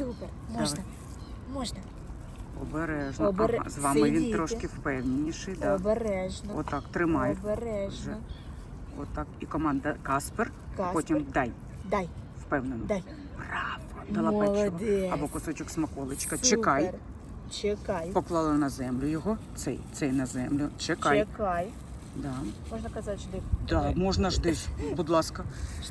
Супер. Можна. Можна. Обережно. Обере- Ага, з вами він Сидіти. трошки впевненіший. Да. Обережно. Отак, тримай. Обережно. Отак. І команда Каспер. Каспер. Потім дай. Дай. Впевнено. Дай. Браво. Дала печиво. Молодець. Або кусочок смаколичка. Супер. Чекай. Чекай. Поклали на землю його. Цей на землю. Чекай. Чекай. Да. Можна казати, жди. Да, можна ж десь, будь ласка.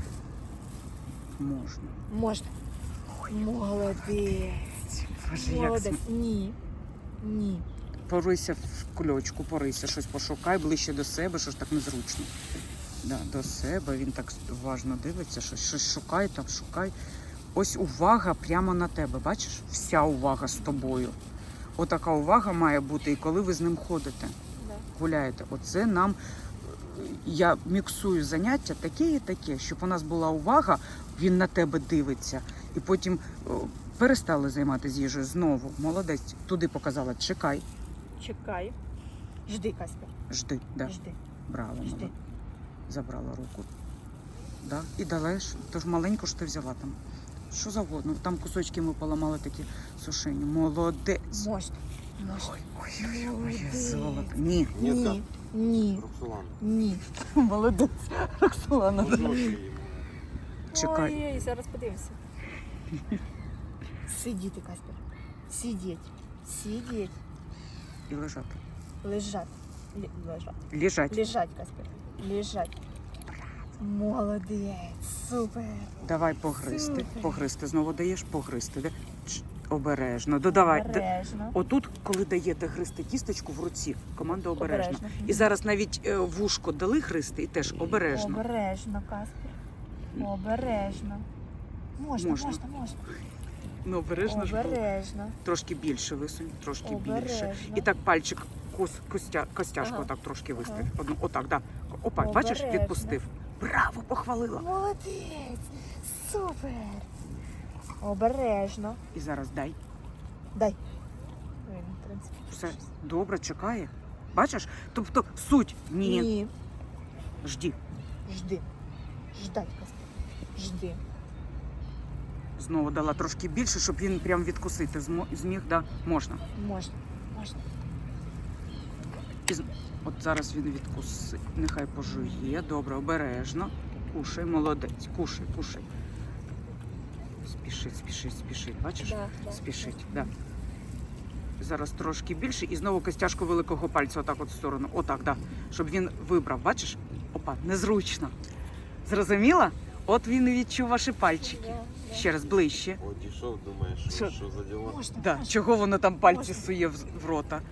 Можна. Можна. Молодець. Боже, як Молодець. Ні. Ні. Порися в кульочку, порися, щось пошукай ближче до себе, що ж так незручно. Да, до себе, він так уважно дивиться, щось шукай, там шукай. Ось увага прямо на тебе, бачиш? Вся увага з тобою. Отака увага має бути, і коли ви з ним ходите, Да. гуляєте. Оце нам, я міксую заняття таке і таке, щоб у нас була увага, він на тебе дивиться. І потім перестали займатися їжею знову. Молодець, туди показала, чекай. Чекай. Жди, Каспер. Жди, да. Жди. Браво, Жди. мала. Забрала руку. Да. І дала, тож маленько ж ти взяла там. Що завгодно. Там кусочки ми поламали такі сушені. Молодець. Можна. Можна. Ой, Молодець. золото. Ні. Ні. Ні. Роксолана. Ні. Молодець. Роксолана. Чекай. Ой, зараз подивимося. Сидіти, Каспер. Сидіть. Сидіть. І лежати. Лежать. Лежать. Лежать. Лежать, Каспер. Лежать. Молодець. Супер. Давай погризти. Супер. Погризти. Знову даєш погризти. Обережно. Додавай. Обережно. Отут, коли даєте гризти кісточку в руці, команда обережно. Обережно. І зараз навіть вушко дали гризти і теж обережно. Обережно, Каспер. Обережно. Можна, Можна. можна, можна. Ну, обережно ж було. Обережно. Трошки більше висунь, трошки більше. Обережно. І так пальчик, костяшку Ага. отак трошки вистав. Ага. Одну, отак, да. Опа, бачиш, Обережно. відпустив. Браво, похвалила. Молодець. Супер. Обережно. І зараз дай. Дай. Ой, в принципі, Все щось. добре, чекає. Бачиш? Тобто суть. Ні. Ні. Жді. Жди. Ждать, Каспер. Жди. Знову дала трошки більше, щоб він прям відкусити зміг, да? Можна. Можна. Можна. От зараз він відкусить. Нехай пожує. Добре, обережно. Кушай, молодець. Кушай, кушай. Спішить, спішить, спішить. Бачиш? Да, да, Спішить, да. да. Зараз трошки більше і знову костяшку великого пальця отак от в сторону. Отак, да. Щоб він вибрав. Бачиш? Опа, незручно. Зрозуміла? От він і відчув ваші пальчики. Да, да. Ще раз ближче. От дійшов, думаєш, Що? що за діла? Можна. Да. Можна. Чого воно там пальці Можна. сує в рота?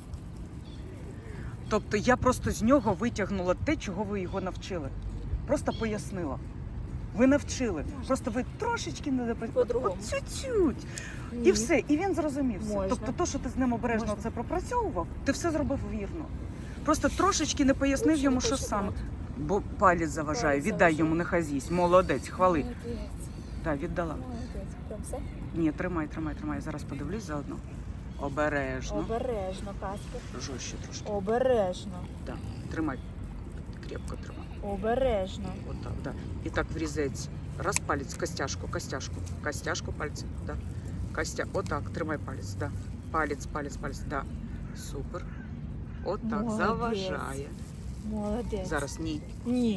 Тобто я просто з нього витягнула те, чого ви його навчили. Просто пояснила. Ви навчили. Можна. Просто ви трошечки не допрацювали. По-другому. От чуть-чуть. Ні. І все. І він зрозумів все. Можна. Тобто то, що ти з ним обережно Можна. це пропрацьовував, ти все зробив вірно. Просто трошечки не пояснив Лучше йому, не що хоче саме. брати. Бо палець заважає. Палець Віддай заважає. йому, нехай з'їсть. Молодець, хвали. Молодець. Так, віддала. Молодець. Прям все? Ні, тримай, тримай, тримай. Зараз подивлюсь заодно. Обережно. Обережно, Каспер. Жорстче трошки. Обережно. Да. Тримай. Крепко тримай. Обережно. Отак, да. І так врізець. Раз палець, костяшку, костяшку. Костяшку пальцем, да. Отак, тримай палець, да. Палець, палець, палець, да. Супер. Отак, Молодець. заважає. Молодець. Зараз ні. Ні.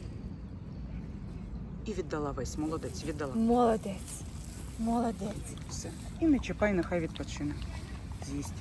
І віддала весь. Молодець, віддала. Молодець. Молодець. Все. І не чіпай, нехай відпочине. З'їсть.